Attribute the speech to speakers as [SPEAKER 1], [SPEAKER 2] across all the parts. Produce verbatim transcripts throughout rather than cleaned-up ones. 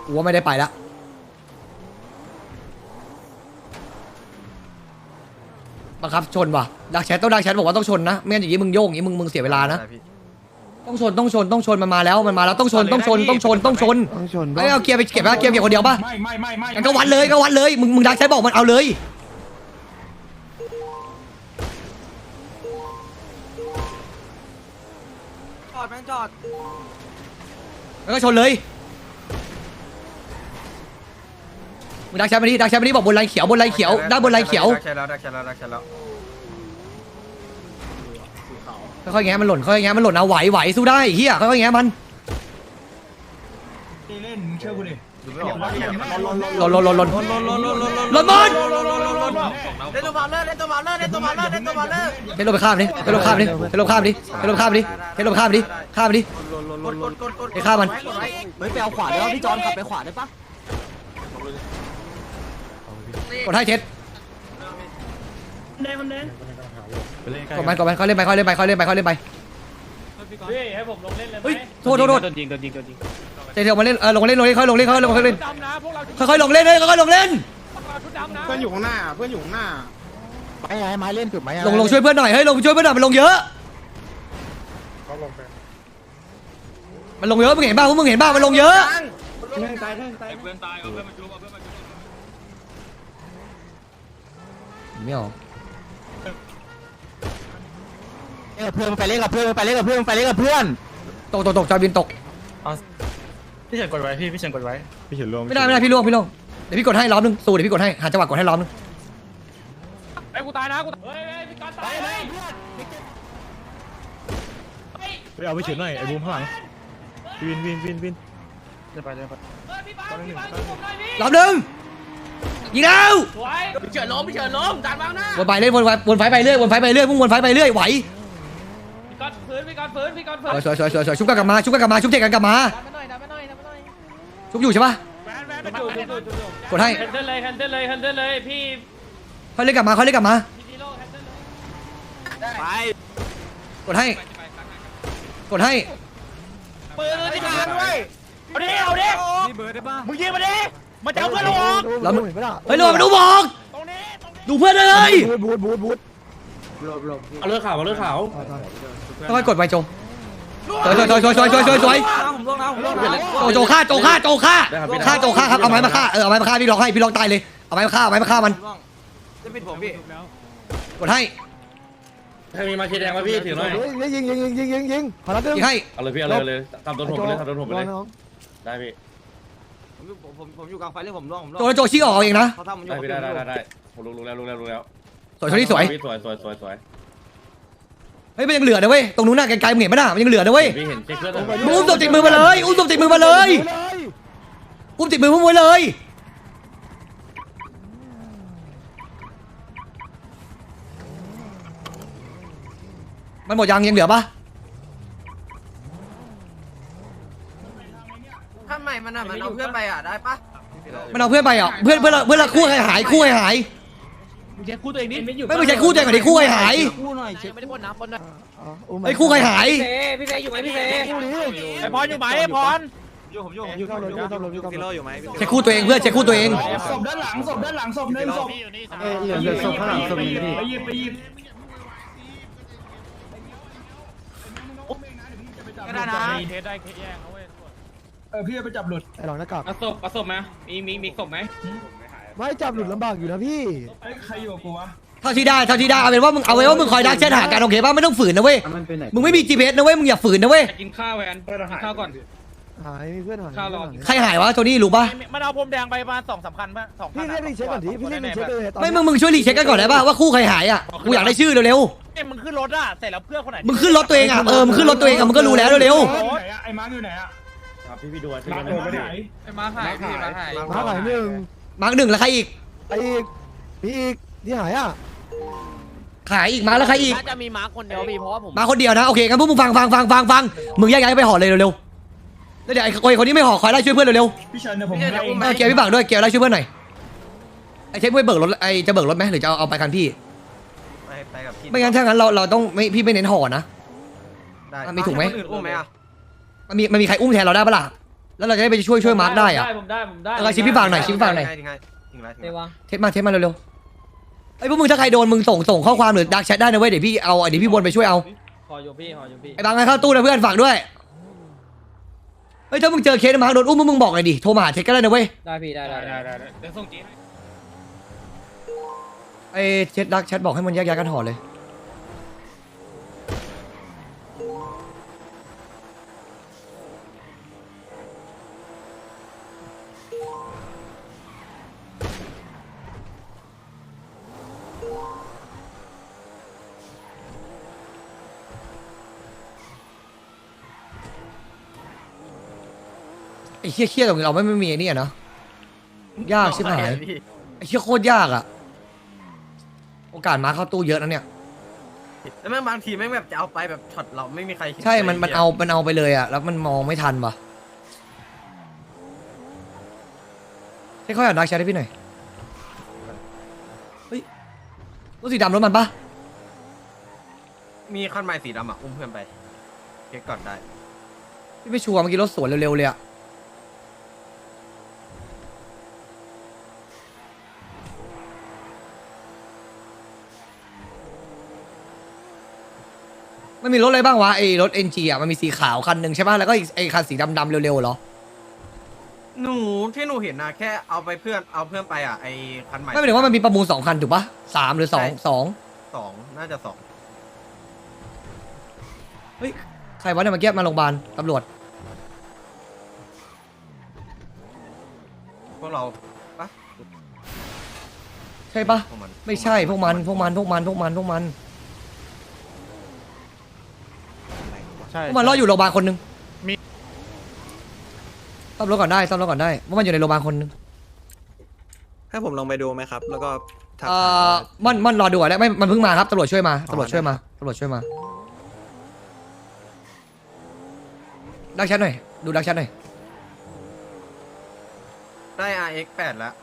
[SPEAKER 1] กูว่าไม่ได้ไปละบังคับชนว่ะดักแชทต้องดักแชทบอกว่าต้องชนนะไม่งั้นอย่างนี้มึงโยกอย่างนี้มึงมึงเสียเวลานะต้องชนต้องชนต้องชนมันมาแล้วมันมาแล้วต้องชนต้องชนต้องชนต้องชนต้องชนไอ้เอาเกียร์ไปเก็บนะเกียร์เก็บคนเดียวป่ะไม่ไม่ไม่ไม่ก็วัดเลยก็วัดเลยมึงมึงดักแชทบอกมันเอาเลย
[SPEAKER 2] จอดแม่งจอด
[SPEAKER 1] แล้วก็ชนเลยมึงดักแชทมาดิดักแชทมาดิบอกบนไลน์เขียวบนไลน์เขียวด้านบนไลน์เขียว
[SPEAKER 2] ดักแชทแล้วดักแชทแล้วดักแชทแล้ว
[SPEAKER 1] ค่อยๆแง้มันหล่นค่อยๆแง้มันหล่นเอาไหวไหวสู้ได้เฮียค่อยๆแง้มัน
[SPEAKER 3] เล่นเชื่อกูดิ
[SPEAKER 1] หล่นหล่นหล่นหล่นหล่นหล่นหมด
[SPEAKER 2] เล่นตัวมาเลอร์เล่นตัวมาเลอร์เล่นตัวมาเลอร์เล่นตัวมาเลอร์
[SPEAKER 1] เทลงไปข้ามดิเทลงข้ามดิเทลงข้ามดิเทลงข้ามดิเทลงข้ามดิข้ามดิไอ้ข้ามมัน
[SPEAKER 4] เฮ้ยไปเอาขวาได้ป่ะพี่จอนขับไปขวาได้ปะ
[SPEAKER 1] กดให้เช็ดกดมันกดมันเขาเล่นไปเขาเล่นไปเขาเล่นไปเขาเล่นไป
[SPEAKER 5] เฮ้ยให้ผมลงเล่นเลยไหม
[SPEAKER 1] โทษโทษโทษ
[SPEAKER 5] จริงจริงจริง
[SPEAKER 1] เดี๋ยวมาเล่นเออลงเล่นลงเล่นค่อยลงเล่นค่อยลงค่อยเล่นค่อยลงเล่นเลยค่อยลงเล่น
[SPEAKER 3] เพื่อนอยู่ข้างหน้าเพื่อนอยู่ข้างหน้า
[SPEAKER 4] ไม้ไม้เล่นจุดไม้
[SPEAKER 1] ลงลงช่วยเพื่อนหน่อยเฮ้ยลงช่วยเพื่อนหน่อยมันลงเยอะมันลงเยอะมึงเห็นบ้างมึงเห็นบ้างมันลงเยอะ
[SPEAKER 3] เพื่อนตายเพื่อนตาย
[SPEAKER 5] เพื่อนตายเอาเพื่อนมาจุ๊บเอาเพื่อนมาจุ๊บ
[SPEAKER 1] ไม่ออก
[SPEAKER 4] เออเพื่อนไปเล่นกับเพื่อนไปเล่นกับเพื่อนไปเล่นกับเพื่อน
[SPEAKER 1] ตกตกตกจอยบินตก
[SPEAKER 5] พี่เฉินกดไว้พี่พี่เฉินกดไว้
[SPEAKER 3] พี่เฉินลง
[SPEAKER 1] ไม่ได้ไม่ได้พี่ล่วงพี่ล่วงเดี๋ยวพี่กดให้ล้อมนึงสู้เดี๋ยวพี่กดให้หาจังหวะกดให้ล้อมนึง
[SPEAKER 5] ไอ้กูตายนะกูเฮ้ยพี่กอนตายเฮ้ย
[SPEAKER 3] ไปเอาไปเฉินหน่อยไอ้บูมข้างหลังวินวินวินวิน
[SPEAKER 5] เดี๋ยวไปเดี๋ยวไป
[SPEAKER 1] ล้อมนึงยิงแล้ว
[SPEAKER 2] พี่เฉินล้มพี่เฉินล้มจานบางหน้า
[SPEAKER 1] วนไปเรื่อยวนไปวนไฟไปเรื่อยวนไฟไปเรื่อยพุ่งวนไฟไปเรื่อยไหว
[SPEAKER 5] พี่กอนฝืนพี่กอนฝืนพี่กอนฝืน
[SPEAKER 1] สวยสวยสวยสวยชุบกันกลับมาชุบกันกลับมาชุบเทกันกลับมาชุบอยู่ใช่ปะกดให้
[SPEAKER 5] แคนเซิลเลยแคนเซิลเลยแคนเซิลเลยพี่
[SPEAKER 1] ค่อยเล่นกลับมาค่อยเล่นกลับมา
[SPEAKER 2] ไป
[SPEAKER 1] กดให้กดให้
[SPEAKER 2] ปืนที่ขาด้วย
[SPEAKER 5] เอาดิเอาดิมึงยิงมาดิมาจะเอาเพื่อนเราออก
[SPEAKER 1] เราเฮ้ยเรามาดูบอกดูเพื่อนเลย
[SPEAKER 4] บูดบูดบูด
[SPEAKER 5] เอาเลือดขาวเอาเลือดขาว
[SPEAKER 1] ค่อยกดไปโจสวยสวยสวยสวยสวยสวยสวยโจโจฆ่าโจฆ่าโจฆ่าฆ่าโจฆ่าครับเอาไม้มาฆ่าเออเอาไม้มาฆ่าพี่ล็อกให้พี่ล็อกตายเลยเอาไม้มาฆ่าเอาไม้มาฆ่ามัน
[SPEAKER 2] จะปิดผมพี่
[SPEAKER 1] กดให้
[SPEAKER 5] ใครมีมาเชดแดงมาพี่ถือหน่อย
[SPEAKER 4] ยิงยิงยิงยิงยิงยิงขอรับ
[SPEAKER 1] ยิงให้
[SPEAKER 5] เอาเลยพี่เอาเลยเลยทำโดนผมไปเลยทำโดนผมไปเลยได้พี่
[SPEAKER 2] ผมผมผมอยู่กลางไฟเลยผมร่วงผมร่วง
[SPEAKER 1] โจโจชี้ออกเองนะ
[SPEAKER 5] ได้พี่ได้ได้ได้ผมรู้รู้แล้วรู้แล้วรู้แล้ว
[SPEAKER 1] สวยสวยสวย
[SPEAKER 5] สวยสวยสวยสวย
[SPEAKER 1] เฮ้ยมันยังเหลือนะเว้ยตรงนู้นน่ะไกลๆมึงเห็นไหมน่ะมันยังเหลือนะเว้ย
[SPEAKER 5] พี่เห็นเช็คเพื่อน
[SPEAKER 1] มึงอุ้มศพติดมือมาเลยอุ้มศพติดมือมาเลยอุ้มติดมือพุ่งไว้เลยมันหมดยังยังเหลือปะ
[SPEAKER 2] ถ้าใหม่มันอ่ะมันเอาเพื่อนไปอ่ะได้ปะ
[SPEAKER 1] มันเอาเพื่อนไปอ่ะเพื่อนเพื่อนเพื่อนคู่ใครหายคู่ใครหาย
[SPEAKER 5] มึงเช็คคู่ตัวเองนี่ไม่อยู่
[SPEAKER 1] ไม่ไม่ใช่คู่ตัวเองก่อนดิคู่ใครหาย
[SPEAKER 4] คู่หน่อยเช็ค
[SPEAKER 2] ไม่ได้บนน้ำบนน้
[SPEAKER 1] ำไอ้คู่ใครหาย
[SPEAKER 2] พี่เฟย์อยู่ไหมพี่เฟย์
[SPEAKER 5] ไอ้พรอยู่ไหมไอ้พร
[SPEAKER 2] อยู่ผมอยู่ผมอยู่อยู่อยู่ฟิโลอยู่ไหม
[SPEAKER 1] เช็คคู่ตัวเองเพื่อนเช็คคู่ตัวเอง
[SPEAKER 3] ศพด้านหลังศพด้านหลังศพหนึ่งศพ
[SPEAKER 4] เออเหลือศพข้างหลังศพนี้พี่
[SPEAKER 3] ไปยิบไปยิบ
[SPEAKER 2] ก็ได้นะ
[SPEAKER 5] เทสได้แย่งเอาเว้ย
[SPEAKER 3] เออพี่ไปจับหลุด
[SPEAKER 4] ไอ้หลังหน้ากาก
[SPEAKER 5] เอาศพเอาศพไหมมีมีมีศพไหม
[SPEAKER 4] ไม่จับหลุดลำบากอยู่นะพี่
[SPEAKER 3] ใครอยู่กูวะ
[SPEAKER 1] เท่าที่ได้เท่าที่ได้เอาเป็นว่ามึงเอาไว้ว่ามึงคอยดักแชทหากันโอเคป่ะไม่ต้องฝืนนะเว้ยมึงไม่มี จี พี เอส นะเว้ยมึงอย่าฝืนนะเว้ย
[SPEAKER 5] กินข้าวแวนกินข้าวก่อน
[SPEAKER 4] หายมีเพื่อนหาย
[SPEAKER 5] ข้าวรอ
[SPEAKER 1] ใครหายวะโทนี่รู้ป่ะ
[SPEAKER 5] มันเอาพรมแดงไปประมาณสองสามคันป่ะสอง
[SPEAKER 4] พี่เรียกรีเช็คก่อนดิพี่เรียกรีเช็คเลย
[SPEAKER 1] ไม่มึงมึงช่วยรีเช็คกันก่อนได้ป่ะว่าคู่ใครหายอ่ะกูอยากได้ชื่อเร็ว
[SPEAKER 5] ๆเอ้มึงขึ้นรถอ่ะเสร็จแล้วเพื่อนคนไหน
[SPEAKER 1] มึงขึ้นรถตัวเองอ่ะเออมึงขึ้นรถตัวเองอ่ะมึงก็รู้แล้วเร็ว
[SPEAKER 3] ไอ้มาร์คอยู่ไหนอ่ะ
[SPEAKER 5] พี่พี่ดูอ่ะ
[SPEAKER 3] มาร์คอยู่ไหน
[SPEAKER 2] ไอ้มาร์คหายพี่มาร์คหาย
[SPEAKER 4] มาร์คหายหนึ่ง
[SPEAKER 1] มาร์คหนึ่งแล้วใครอีก
[SPEAKER 4] ไอ้อีกมีอีกที่หายอ่ะ
[SPEAKER 1] ขายอีกมาแล้วใครอีก
[SPEAKER 2] น่าจะมีมาร์คคนเดียวพี่เพราะว่าผม
[SPEAKER 1] มาคนเดียวนะโอเคงั้นพวกมึงฟังฟังฟังฟังฟังมึงแยกย้ายไปห่อเลยเร็วๆแล้วเดี๋ยวไอ้คนนี้ไม่ห่อคอยไล่ช่วยเพื่อนเร็ว
[SPEAKER 3] ๆพี่เชิญเดี๋ยวผม
[SPEAKER 1] เออเกียร์พี่บังด้วยเกียร์ไล่ช่วยเพื่อนหน่อยไอ้เช็คไม่เบิกรถไอ้จะเบิกรถไหมหรือจะเอาไปคันพี่
[SPEAKER 2] ไปไปกับพี่
[SPEAKER 1] ไม่งั้นถ้างั้นเราเราต้องไม่พี่ไม่เน้นห่อนะมีถูกไหม
[SPEAKER 2] อุ้มไหมอ่ะ
[SPEAKER 1] มันมีมันมีใครอุ้มแทนเราได้ปะล่ะแล้วเราจะได้ไปช่วยช่วยมาร์คได้อะ
[SPEAKER 5] ผมได้ผมได้
[SPEAKER 1] เออชิปพี่ฝากหน่อยชิปพี่ฝากหน่อย
[SPEAKER 2] ทิ้งไงทิ้งไรทิ้ง
[SPEAKER 5] เดี๋ยว
[SPEAKER 2] ไร
[SPEAKER 5] วาง
[SPEAKER 1] เทสมาเทสมาเร็วๆไอ้ยพวกมึงถ้าใครโดนมึงส่งส่งข้อความหรือดักแชทได้นะเว้ยเดี๋ยวพี่เอาเดี๋ยวพี่วนไปช่วยเอา
[SPEAKER 5] ขออยู่พี่ขออยู่พี่
[SPEAKER 1] ไอ้บางไงเข้าตู้นะเพื่อนฝากด้วยเฮ้ยถ้ามึงเจอเคสมาร์คโดนอุ้มมึงบอกหน่อยดิโทรมาหาเทสก็ได้นะเว้ย
[SPEAKER 5] ได้พี่ได้ได้
[SPEAKER 3] ได้ได้ได้เดี๋ยวส่งจีน
[SPEAKER 1] ไอ้เช็ดดักแชทบอกให้มันแยกย้ายกันห่อเลยไอ้เคี้ยๆตรงนี้เราไม่ไม่มีไอ้นี่อะเนาะยากชิบหายไอ้เคี้ยโคตรยากอะโอกาสมาเข้าตู้เยอะนะเนี่ย
[SPEAKER 2] แล้วแม่งบางทีแม่งแบบจะเอาไปแบบช็อตเราไม่มีใคร
[SPEAKER 1] ใช่ มัน มันเอา มันเอาไปเลยอะแล้วมันมองไม่ทันว่ะให้เขาอยากดักแชทให้พี่หน่อย เฮ้ย รถสีดำรถมันปะ
[SPEAKER 2] มีคันใหม่สีดำอ่ะอุ้มเพื่อนไปเช็คก่อนได้
[SPEAKER 1] พี่ไม่ชัวร์เมื่อกี้รถสวนเร็วๆเลยอะมันมีรถอะไรบ้างวะไอ้รถ เอ็น จี อ่ะมันมีสีขาวคันหนึ่งใช่ป่ะแล้วก็อีกไอ้คันสีดำๆเร็วๆเหรอ
[SPEAKER 2] หนูที่หนูเห็นนะแค่เอาไปเพื่อนเอาเพื่อนไปอ่ะไอคันใหม่
[SPEAKER 1] ไม่หมายถึงว่ามันมีประมูลสองคันถูกปะสามหรือสองสอง
[SPEAKER 2] สองน่าจะสอง
[SPEAKER 1] เฮ้ยใครวะเนี่ยเมื่อกี้มาโรงพยาบาลตำรวจ
[SPEAKER 2] พวกเราปะ
[SPEAKER 1] ใช่ปะ
[SPEAKER 2] พวกมัน
[SPEAKER 1] ไม่ใช่พวกมันพวกมันพวกมันพวกมันพวกมัน
[SPEAKER 3] ใช่
[SPEAKER 1] พวกมันรออยู่โรงพยาบาลคนหนึงมีซ่อมรถก่อนได้ซ่อมรถก่อนได้พวกมันอยู่ในโรงพยาบาลคนหนึง
[SPEAKER 6] ให้ผมลองไปดูไหมครับ แล้วก็ทัก
[SPEAKER 1] เอ่
[SPEAKER 6] หา
[SPEAKER 1] อ
[SPEAKER 6] ว่า
[SPEAKER 1] มันมันรอดูก่อนได้ไม่มันเพิ่งมาครับตำรวจช่วยมาตำรวจช่วยมาตำรวจช่วยมาดักแชทหน่อยดูดักแชทหน่อย
[SPEAKER 2] ได้ อาร์ เอ็กซ์ แปดแล้ว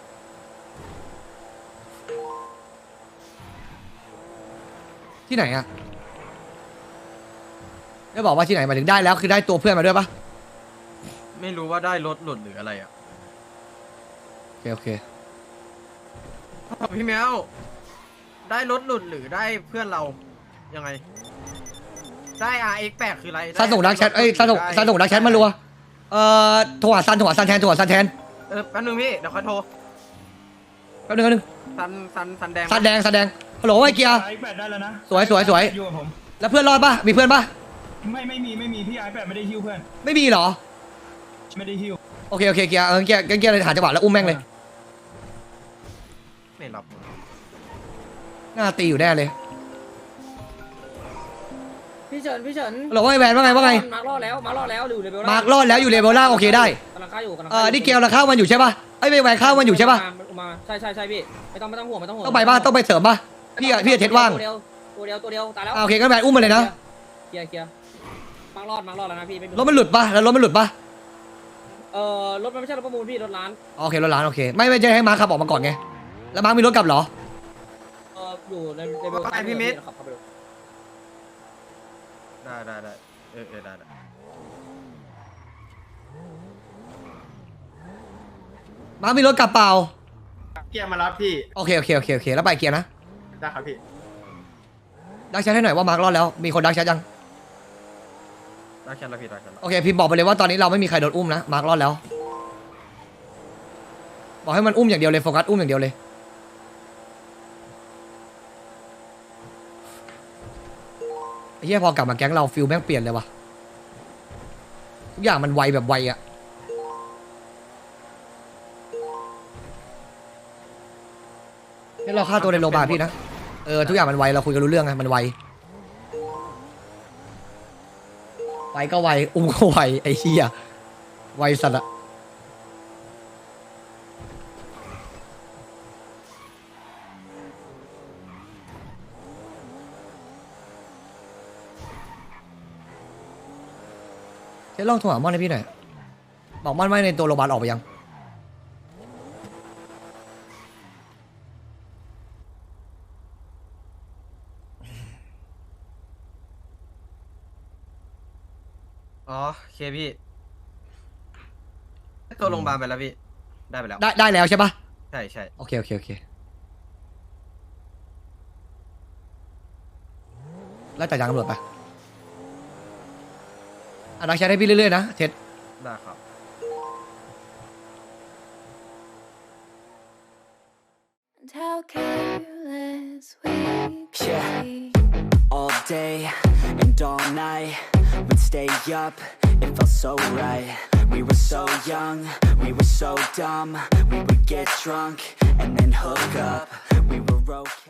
[SPEAKER 1] ที่ไหนอะได้บอกว่าที่ไหนหมายถึงได้แล้วคือได้ตัวเพื่อนมาด้วยปะ
[SPEAKER 2] ไม่รู้ว่าได้รถหลุดหรืออะไรอ่ะ
[SPEAKER 1] โอเคโอเค
[SPEAKER 2] พี่แมวได้รถหลุดหรือได้เพื่อนเรายังไง ได้ อาร์ เอ็กซ์ แปดคืออะไร
[SPEAKER 1] ซันส่งดักแชทเอ้ยซันส่งซันส่งดักแชทมารัวเอ่อโทรหาซันโทรหาซันแทนโทรหาซันแทน
[SPEAKER 2] เออแป๊บนึงพี่เดี๋ยวค่อยโทร
[SPEAKER 1] แป๊บนึงแป๊บนึง
[SPEAKER 2] ซันซันซันแดง
[SPEAKER 1] ซันแดงซันแดงฮัลโหลไอ้เกียร์
[SPEAKER 3] ไอแปดได้แล้วนะ
[SPEAKER 1] สวยสวยสวย
[SPEAKER 3] อยู่กับผม
[SPEAKER 1] แล้วเพื่อนรอดปะมีเพื่อนปะ
[SPEAKER 3] ไม่ไม่มีไม่มีพี่ไอแปดไม่ได้ฮิ้วเพื่อน
[SPEAKER 1] ไม่มีเหรอ
[SPEAKER 3] ไม่ได้ฮิ้ว
[SPEAKER 1] โอเคโอเคเกียร์เออเกียร์เกียร์เลยหาจังหวะแล้วอุ้มแม่งเลย
[SPEAKER 2] ไม่รับ
[SPEAKER 1] หน้าตีอยู่แน่เลย
[SPEAKER 5] พี่เฉินพี่เฉิน
[SPEAKER 1] ฮัลโหลว่าไงแวนว่าไงว่าไง
[SPEAKER 5] มาร์กรอดแล้วมาร์กรอดแล้วอยู่เลเวล
[SPEAKER 1] มาร์กรอดแล้วอยู่เลเวลล่างโอเคได้
[SPEAKER 5] กำลังฆ่าอยู่กำลัง
[SPEAKER 1] เออนี่เกียร์เราเข้ามันอยู่ใช่ปะไอ้ไม่แวนเข้ามันอยู่ใช่ปะ
[SPEAKER 5] มาใช่ใช่ใช่พี่ไม่ต้องไม่ต้องห่วงไม่ต้องห่วง
[SPEAKER 1] ต้องไปปะต้องไปเสริมปะพี่อะพี่อะเทสว่าง
[SPEAKER 5] ตัวเดียวตัวเดียวตัวเดียวตายแล้ว
[SPEAKER 1] อ่าโอเคก็แวนอุ้มมาเลยนะ
[SPEAKER 5] เคลียร์เคลียร์มาร์กรอดมาร์กรอดแล้วนะพี่
[SPEAKER 1] รถมันหลุดปะแล้วรถมันหลุดปะ
[SPEAKER 5] เออรถมันไม่ใช่รถประมูลพี่รถร้าน
[SPEAKER 1] โอเครถร้านโอเคไม่ไม่ใช่ให้มาร์คขับออกมาก่อนไงแล้วมาร์คมีรถกลับเหรอ
[SPEAKER 5] เอออยู่ในเลเวลขับเข้าไปดู
[SPEAKER 2] ได้ได้ได้เออเออได้ได้
[SPEAKER 1] มาร์คมีรถกลับเปล่า
[SPEAKER 6] เกียร์มารับพี่
[SPEAKER 1] โอเคโอเคโอเคโอเคแล้วไปเกียร์นะ
[SPEAKER 6] ได้ครับพี่
[SPEAKER 1] ดักแชทให้หน่อยว่ามาร์ครอดแล้วมีคนดักแชทยัง
[SPEAKER 2] ได้แค่ละพี่ได้แค่ละ
[SPEAKER 1] โอเคพิมพ์บอกไปเลยว่าตอนนี้เราไม่มีใครโดนอุ้มนะมาร์ครอดแล้วบอกให้มันอุ้มอย่างเดียวเลยโฟกัสอุ้มอย่างเดียวเลยไอ้เหี้ยพอกลับมาแก๊งเราฟิลแม่งเปลี่ยนเลยว่ะทุกอย่างมันไวแบบไวอะนี่เราฆ่าตัวในโรงพยาบาลพี่นะเออทุกอย่างมันไวเราคุยกันรู้เรื่องไงมันไวไวก็ไวอุ้มก็ไวไอ้เหี้ยไวสัตว์อะเจ๊ลองโทรหาม่อนให้พี่หน่อยบอกม่อนว่าในตัวโรงพยาบาลออกไปยัง
[SPEAKER 2] อ๋อโอเคพี่ตัวโรงพยาบาลไปแล้วพี่ได้ไปแล้ว
[SPEAKER 1] ได้ได้แล้วใช่ปะ
[SPEAKER 2] ใช่ใช่
[SPEAKER 1] โอเคโอเคโอเคไล่จัดการตำรวจไปอ่ะดักแชทให้พี่เรื่อยๆนะเท็ด
[SPEAKER 2] ได้ครับ
[SPEAKER 7] And how careless we
[SPEAKER 8] Yeah.
[SPEAKER 7] be.
[SPEAKER 8] All day and all night, we'd stay up, it felt so right. We were so young, we were so dumb. We would get drunk and then hook up. We were okay.